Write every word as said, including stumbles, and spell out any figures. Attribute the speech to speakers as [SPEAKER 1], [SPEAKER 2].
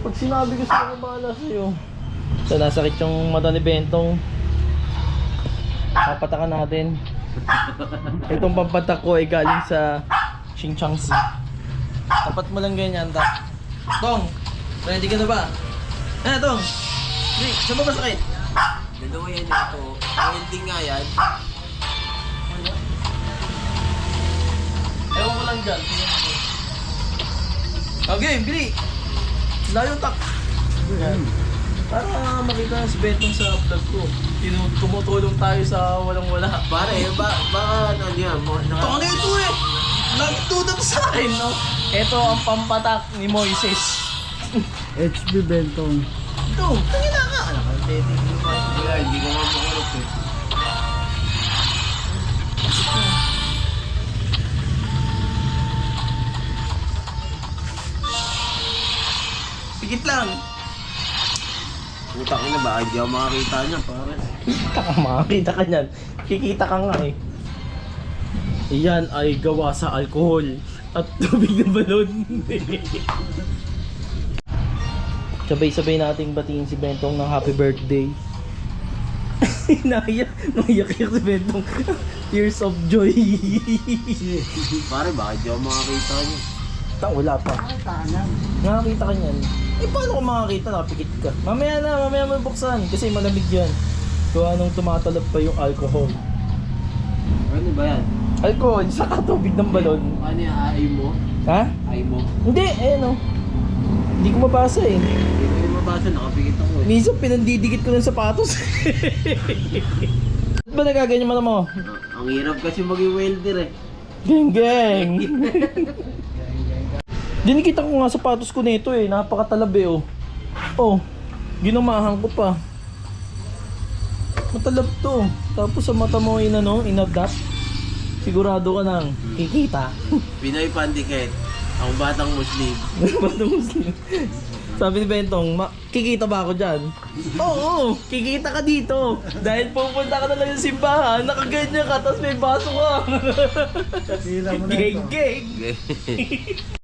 [SPEAKER 1] Pag sinabi ko sa'yo, kung bahala sa'yo. So, nasakit yung mata ni Bentong. Papatakan natin. Itong pampatak ko ay galing sa Xinjiangsi. Tapat mo lang ganyan, tak. Tong, ready ka na ba? Eh, Tong! Hindi, saan ba masakit?
[SPEAKER 2] Dalawa yan ito. Welding nga yan.
[SPEAKER 1] Ewan ko lang dyan. Okay, bili! Layo, tak! Yan. Para makita na si Bentong sa vlog ko. Tinu- Tumutulong tayo sa walang-wala.
[SPEAKER 2] Pare, ba, baka ano yan? mo-
[SPEAKER 1] Ito
[SPEAKER 2] Naka,
[SPEAKER 1] ano ito eh! Nagtudap sa akin, no? Ito ang pampatak ni Moises.
[SPEAKER 3] H B Bentong.
[SPEAKER 1] Ito, tangina ka!
[SPEAKER 2] Wala, hindi ko nga makulot eh.
[SPEAKER 1] Pigit lang!
[SPEAKER 2] Putang ina ba? Hindi ako makakita niya, pare.
[SPEAKER 1] Kikita ka, makakita ka niyan. Kikita ka nga eh. Iyan ay gawa sa alkohol at tubig ng balon. Sabay-sabay nating batiin si Bentong ng happy birthday. Naiyak, naiyak si Bentong. Tears of joy.
[SPEAKER 2] Pare, baka hindi ako makakita niya.
[SPEAKER 1] Ta, wala pa. Nakakita ka niyan. Eh, paano ko makakita? Nakapikit ka. Mamaya na, mamaya mo buksan. Kasi malamig yan. Gawa nung tumatalab pa yung alcohol.
[SPEAKER 2] Ano ba yan?
[SPEAKER 1] Alcohol, saka tubig ng balon.
[SPEAKER 2] Ano yung ay mo?
[SPEAKER 1] Ha?
[SPEAKER 2] Ay mo?
[SPEAKER 1] Hindi, eh no. Hindi ko mabasa eh.
[SPEAKER 2] Hindi ko yung mabasa, nakapikit ako eh.
[SPEAKER 1] Minsan pinandidikit ko ng sapatos. Ba't ba nagaganyan mo na mo?
[SPEAKER 2] Ah, ang hirap kasi maging welder eh.
[SPEAKER 1] Geng geng! Dinikita ko nga sapatos ko nito eh. Napakatalab eh oh. Oh, ginumahan ko pa. Matalab to. Tapos sa mata mo in ano, inadapt. Sigurado ka nang kikita.
[SPEAKER 2] Pinoy Pandikit. Ang batang Muslim.
[SPEAKER 1] Batang Muslim. Sabi ni Bentong, "Ma- kikita ba ako dyan?" Oo, kikita ka dito. Dahil pupunta ka na lang yung simbahan, nakaganyan ka, tapos may baso ka.
[SPEAKER 3] Sila mo na ito.
[SPEAKER 1] Geng geng!